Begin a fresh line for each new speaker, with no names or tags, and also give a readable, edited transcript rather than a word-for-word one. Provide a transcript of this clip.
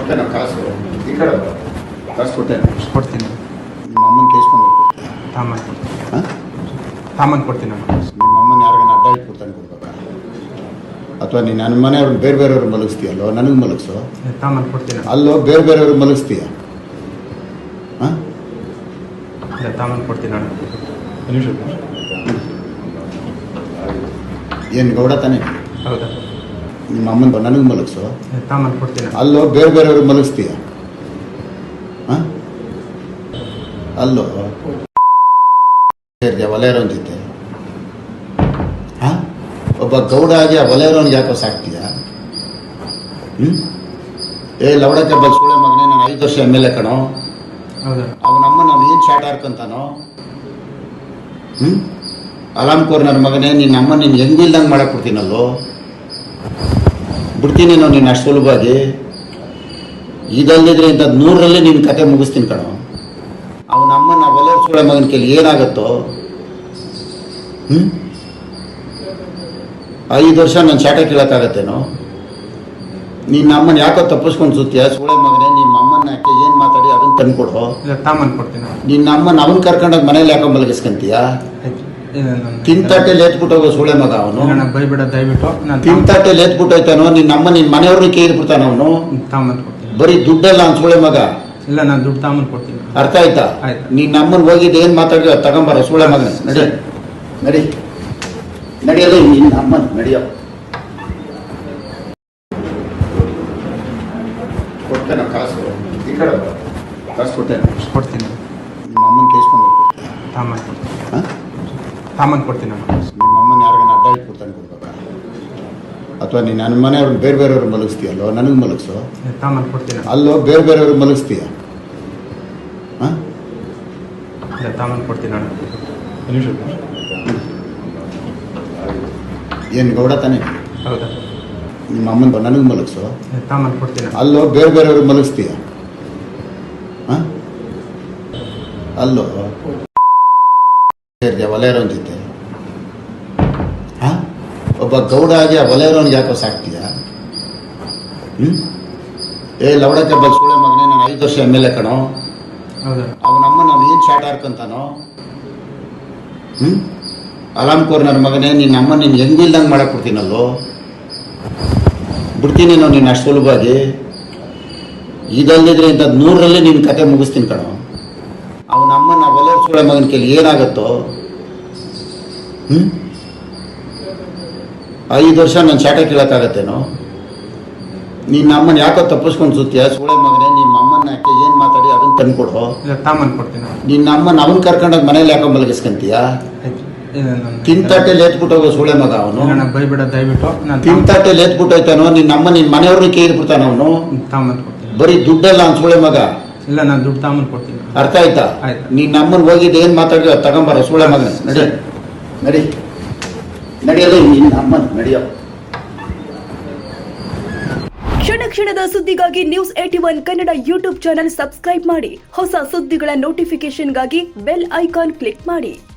ಕೊಡ್ತೇನೆ ಕಾಸು ಈ ಕಡೆ ಕಾಸು
ಕೊಡ್ತೀನಿ.
ನಿಮ್ಮ ಅಮ್ಮನ ಕೇಸ್ ಬಂದು
ತಾಮನ್ ಕೊಡ್ತೀನಿ.
ನಿಮ್ಮ ಅಮ್ಮನ ಯಾರಿಗಾನ ಅಡ್ಡ ಇಟ್ಬಿಡ್ತಾನೆ ಕೊಡ್ಬೇಕಾ ಅಥವಾ ನೀನು ನನ್ನ ಮನೆಯವ್ರನ್ನ ಬೇರೆ ಬೇರೆಯವ್ರು ಮಲಗಿಸ್ತೀಯಲ್ಲೋ ನನಗೆ ಮಲಗಿಸೋ
ತಾಮನ್ ಕೊಡ್ತೀನಿ.
ಅಲ್ಲೋ ಬೇರೆ ಬೇರೆಯವ್ರು ಮಲಗಿಸ್ತೀಯ
ತಾಮನ್ ಕೊಡ್ತೀನಿ.
ಏನು ಗೌಡ ತಾನೆ
ಹೌದಾ?
ನಿಮ್ಮ ಅಮ್ಮನ ನನಗೆ ಮಲಗಿಸೋ
ತಾಮನ್ ಕೊಡ್ತೀನಿ.
ಅಲ್ಲೋ ಬೇರೆ ಬೇರೆಯವ್ರು ಮಲಗಿಸ್ತೀಯ ಅಲ್ಲೋ ಒಲೆಯರೋನ್ ಜೊತೆ ಒಬ್ಬ ಗೌಡ ಆಗಿ ಆ ಒಲೆಯರೋನ್ಗೆ ಯಾಕೋ ಸಾಕ್ತೀಯ? ಏ ಲವಡಕ್ಕೆ ಬಲ್ಸ್ಕೊಳ್ಳೆ ಮಗನೇ, ನಾನು 5 ವರ್ಷ MLA ಕಣೋ. ಅವನಮ್ಮ ನಾನು ಏನು ಶಾಟ್ ಹಾರ್ಕೊಂತಾನೋ? ಅಲಾಮ್ ಕೋರ್ ನನ್ನ ಮಗನೇ, ನಿನ್ನ ಅಮ್ಮ ನೀನು ಹೆಂಗಿಲ್ದಂಗೆ ಮಾಡಕ್ಕೆ ಬಿಡ್ತೀನಲ್ಲೋ, ಬಿಡ್ತೀನಿ ನಾವು ನೀನು ಅಷ್ಟು ಸುಲಭವಾಗಿ. ಇದಲ್ದಿದ್ರೆ ಇಂಥದ್ದು 100ರಲ್ಲಿ ನಿನ್ನ ಕತೆ ಮುಗಿಸ್ತೀನಿ ಕಣೋ. ಅವನಮ್ಮ ನಾ ಒಲೆಯರ್ಸ್ಕೊಳ್ಳೆ ಮಗನ ಕೇಳಿ ಏನಾಗುತ್ತೋ? 5 ವರ್ಷ ನಾನು ಶಾಟ ಕೇಳೋಕ್ಕಾಗತ್ತೇನೋ? ನಿನ್ನ ಅಮ್ಮನ ಯಾಕೋ ತಪ್ಪಿಸ್ಕೊಂಡು ಸುತ್ತೀಯ ಸೂಳೆ ಮಗನೇ? ನಿಮ್ಮ ಅಮ್ಮನ ಯಾಕೆ ಏನು ಮಾತಾಡಿ ಅದನ್ನ ತಂದ್ಕೊಡು.
ತಾಮನ್ ಕೊಡ್ತೀನಿ.
ನಿನ್ನ ಅಮ್ಮನ ಅವನ್ ಕರ್ಕೊಂಡೋಗಿ ಮನೇಲಿ ಯಾಕೋ ಮಲಗಿಸ್ಕೊಂತೀಯ? ತಿಂತಾಟೆಲಿ ಎತ್ಬಿಟ್ಟು ಹೋಗೋ ಸೂಳೆ ಮಗ ಅವನು.
ಬೈಬಿಡ ದಯವಿಟ್ಟು.
ತಿಂತಾಟೆಲಿ ಎತ್ಬಿಟ್ಟೋಯ್ತಾನೋ ನಿನ್ನ ಅಮ್ಮ ನಿನ್ನ ಮನೆಯವ್ರನ್ನ ಕೇಳ್ಬಿಡ್ತಾನ ಅವನು.
ತಾಮನ್ ಕೊಡ್ತೀನಿ.
ಬರೀ ದುಡ್ಡಲ್ಲ ಅವ್ನು ಸೂಳೆ ಮಗ.
ಇಲ್ಲ, ನಾನು ದುಡ್ಡು ತಾಮನ್ ಕೊಡ್ತೀನಿ.
ಅರ್ಥ ಆಯ್ತಾ? ನಿನ್ನ ಅಮ್ಮನ ಹೋಗಿದ್ದು ಏನು ಮಾತಾಡಿದ ತಗೊಂಬಾರ ಸೂಳೆ ಮಗನ. ನಡಿ ನಡಿ ನಡಿಯಲ್ಲ ನಿನ್ನ ಅಮ್ಮನ ನಡಿಯೋ. ಕೊಡ್ತೇನೆ ಕಾಸು ಈ ಕಡೆ ಕಾಸು
ಕೊಡ್ತೀನಿ.
ನಿಮ್ಮ ಅಮ್ಮನ ಕೇಸ್ ಬಂದು
ತಾಮನ್ ಕೊಡ್ತೀನಿ. ತಾಮನ್ ಕೊಡ್ತೀನಿ.
ನಿಮ್ಮ ಅಮ್ಮನ ಯಾರಿಗಾನ ಅಡ್ಡ ಇಟ್ಬಿಡ್ತಾನೆ ಕೊಡ್ಬೇಕಾ ಅಥವಾ ನೀನು ನನ್ನ ಮನೆಯವ್ರನ್ನ ಬೇರೆ ಬೇರೆಯವ್ರು ಮಲಗಿಸ್ತೀಯಲ್ಲೋ ನನಗೆ ಮಲಗಿಸೋ?
ತಾಮನ್ ಕೊಡ್ತೀನಿ.
ಅಲ್ಲೋ ಬೇರೆ ಬೇರೆಯವ್ರು ಮಲಗಿಸ್ತೀಯ
ತಾಮನ್ ಕೊಡ್ತೀನಿ.
ಏನು ಗೌಡ ತಾನೆ
ಹೌದಾ?
ನಿಮ್ಮ ಅಮ್ಮನ ನನಗೆ ಮಲಗಿಸೋ?
ತಾಮನ್ ಕೊಡ್ತೀನಿ.
ಅಲ್ಲೋ ಬೇರೆ ಬೇರೆಯವ್ರು ಮಲಗಿಸ್ತೀಯ ಅಲ್ಲೋ ಒಲೆಯರೋನ್ ಜೊತೆ ಒಬ್ಬ ಗೌಡ ಆಗಿ ಆ ಒಲೆಯರೋನ್ಗೆ ಯಾಕೋ ಸಾಕ್ತೀಯ? ಏ ಲವಡಕ್ಕೆ ಬಲ್ಸ್ಕೊಳ್ಳೆ ಮಗನೇ, ನಾನು 5 ವರ್ಷ MLA ಕಣೋ. ಅವನಮ್ಮ ನಾನು ಏನು ಶಾಟ್ ಹಾರ್ಕೊಂತಾನೋ? ಅಲಾಮ್ ಕೋರ್ ನನ್ನ ಮಗನೇ, ನಿನ್ನ ಅಮ್ಮ ನೀನು ಹೆಂಗಿಲ್ದಂಗೆ ಮಾಡಕ್ಕೆ ಬಿಡ್ತೀನಲ್ಲೋ, ಬಿಡ್ತೀನಿ ನಾವು ನೀನು ಅಷ್ಟು ಸುಲಭವಾಗಿ. ಇದಲ್ದಿದ್ರೆ ಇಂಥದ್ದು 100ರಲ್ಲಿ ನಿನ್ನ ಕತೆ ಮುಗಿಸ್ತೀನಿ ಕಣೋ. ಅವನಮ್ಮ ನಾ ಒಲೆಯರ್ಸ್ಕೊಳ್ಳೆ ಮಗನ ಕೇಳಿ ಏನಾಗುತ್ತೋ? 5 ವರ್ಷ ನಾನು ಶಾಟ ಕೇಳೋಕ್ಕಾಗತ್ತೇನೋ? ನಿನ್ನ ಅಮ್ಮನ ಯಾಕೋ ತಪ್ಪಿಸ್ಕೊಂಡು ಸುತ್ತೀಯ ಸೂಳೆ ಮಗನೇ? ನಿಮ್ಮ ಅಮ್ಮನ ಯಾಕೆ ಏನು ಮಾತಾಡಿ ಅದನ್ನ ತಂದ್ಕೊಡು.
ತಾಮನ್ ಕೊಡ್ತೀನಿ.
ನಿನ್ನ ಅಮ್ಮನ ಅವನ್ ಕರ್ಕೊಂಡೋಗಿ ಮನೇಲಿ ಯಾಕೋ ಮಲಗಿಸ್ಕೊಂತೀಯ? ತಿಂತಾಟೆಲಿ ಎತ್ಬಿಟ್ಟು ಹೋಗೋ ಸೂಳೆ ಮಗ ಅವನು.
ಬೈಬಿಡ ದಯವಿಟ್ಟು.
ತಿಂತಾಟೆಲಿ ಎತ್ಬಿಟ್ಟೋಯ್ತಾನೋ ನಿನ್ನ ಅಮ್ಮ ನಿನ್ನ ಮನೆಯವ್ರನ್ನ ಕೇಳ್ಬಿಡ್ತಾನ ಅವನು.
ತಾಮನ್ ಕೊಡ್ತೀನಿ.
ಬರೀ ದುಡ್ಡಲ್ಲ ಅವ್ನು ಸೂಳೆ ಮಗ.
ಇಲ್ಲ, ನಾನು ದುಡ್ಡು ತಾಮನ್ ಕೊಡ್ತೀನಿ.
ಅರ್ಥ ಆಯ್ತಾ? ನಿನ್ನ ಅಮ್ಮನ ಹೋಗಿದ್ದು ಏನು ಮಾತಾಡಿದ ತಗೊಂಬಾರ ಸೂಳೆ ಮಗನ. ನಡಿ ನಡಿ ನಡಿಯಲ್ಲ ನಿನ್ನ ಅಮ್ಮನ ನಡಿಯೋ.
ಕ್ಷಣ ಕ್ಷಣದ ಸುದ್ದಿಗಾಗಿ News 81 Kannada YouTube channel subscribe ಮಾಡಿ. ಹೊಸ ಸುದ್ದಿಗಳ ನೋಟಿಫಿಕೇಶನ್ಗಾಗಿ ಬೆಲ್ ಐಕಾನ್ ಕ್ಲಿಕ್ ಮಾಡಿ.